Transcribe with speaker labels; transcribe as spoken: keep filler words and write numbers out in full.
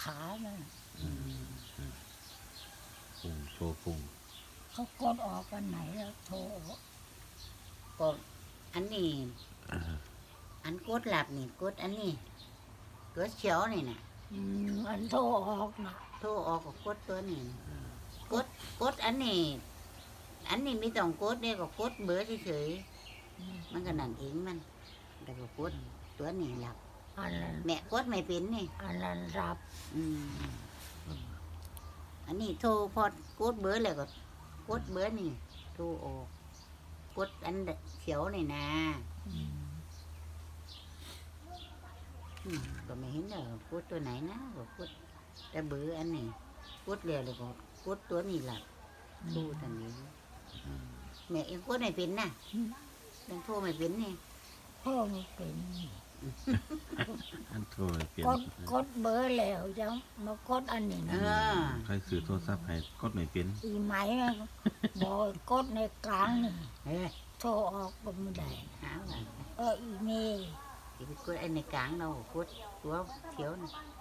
Speaker 1: ขานั่น
Speaker 2: ปุ่งโชว์ปุ่ง
Speaker 1: เขากดออกกันไหนแล้วโทร
Speaker 3: ก็อันนี้
Speaker 2: อ่า
Speaker 3: อันกดหลับนี่กดอันนี้กดเขียวนี่น่ะ
Speaker 1: อืมอันโทรออกนะ
Speaker 3: โทรออกก็กดตัวนี้กดกดอันนี้ อันนี้ไม่ต้องกดเด้ก็กดเบอร์เฉยๆมันก็นั่นเองมันแต่ก็กดตัวนี้หลับ
Speaker 1: อันนั้น
Speaker 3: แม่กดไม่เป็นนี่
Speaker 1: อันนั้นรับ
Speaker 3: อืมอันนี้โทรพอกดเบอร์แล้วก็กดเบอร์นี่โทรออกกดอันเขียวนี่นะ
Speaker 1: อืม
Speaker 3: อืมก็ไม่เห็นเลยกดตัวไหนนะก็กดแต่เบอร์อันนี้กดเร็วเลยก็กดตัวนี้หลับโทรทันนี้แม่เองกดไม่เป็นนะยังโทรไม่เป็นนี่
Speaker 1: โทรไม่เป็น
Speaker 2: อันโทรเปลี่ยน
Speaker 1: กดกดเบอร์แล้วจังมากดอันนี้
Speaker 3: เอ
Speaker 1: นะ
Speaker 3: อ
Speaker 2: ใครซื้อโทรศัพท์ให้กดไม่เป็น
Speaker 1: อีไหมมันบอกกดในกลางนี่
Speaker 3: เฮ้ย
Speaker 1: โทรออกก็ไม่ได้
Speaker 3: หาว่า
Speaker 1: เอออีเมล
Speaker 3: ที่ไปกดไอ้ในกลางเรากดตัวเขียวนะ
Speaker 1: อ